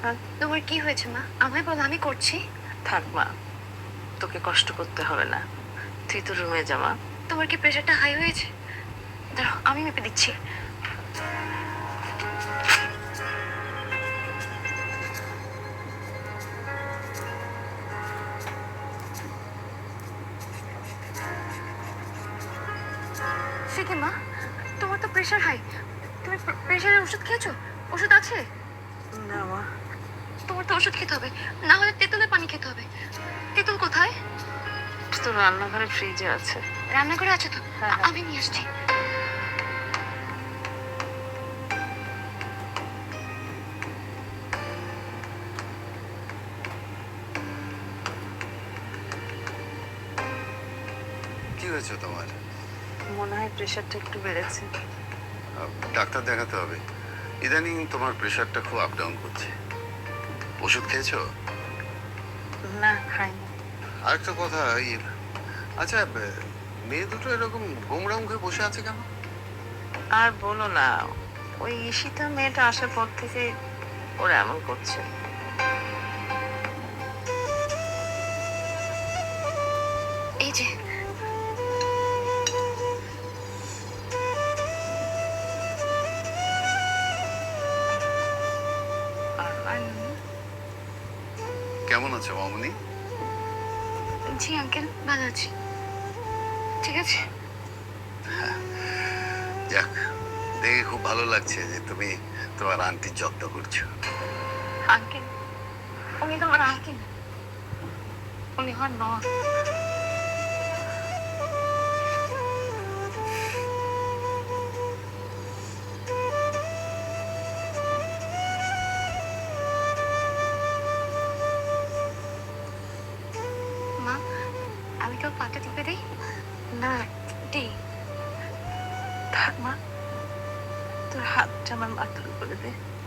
তোমার কি হয়েছে মা? আমায় বলো, আমি করছি। থাক মা, তোকে কষ্ট করতে হবে না, তুই তো রুমে যা মা। তোমার কি প্রেশারটা হাই হয়েছে? দাঁড়াও, আমি মেপে দিচ্ছি। সে কি মা, তোমার তো প্রেশার হাই। তুমি প্রেশারের ওষুধ খেয়েছো? ওষুধ আছে? না মা। তোমার তো ওষুধ খেতে হবে, না হলে তেঁতুলের পানি খেতে হবে। তেঁতুল কোথায়? তো রান্নাঘরে ফ্রিজে আছে। রান্নাঘরে আছে তো? হ্যাঁ। আমি নিয়ে আসছি। কি হয়েছে তোমার? মনে হয় প্রেশারটা একটু বেড়েছে। ডাক্তার দেখাতে হবে। ইদানিং তোমার প্রেশারটা খুব আপ ডাউন করছে। ওষুধ খেয়েছো? না, খাইনি। আরেকটা কথা, আচ্ছা, মেয়ে দুটো এরকম গোমড়া মুখে বসে আছে কেন? আর বলো না, ওই ঈশিতা মেয়েটা আসার পর থেকে ওরা এমন করছে। এই যে, কেমন আছো মামুনি? জি আঙ্কেল, ভালো আছি। ঠিক আছে। যাক, দেখে খুব ভালো লাগছে যে তুমি তোমার আন্টির যত্ন করছো। আঙ্কেল, উনি তো আমার আঙ্কেল, উনি আমার নন। মা, আমি তোর পাটা টিপে দিই? না দিই। থাক মা, তোর হাতটা আমার মাথার উপরে দে।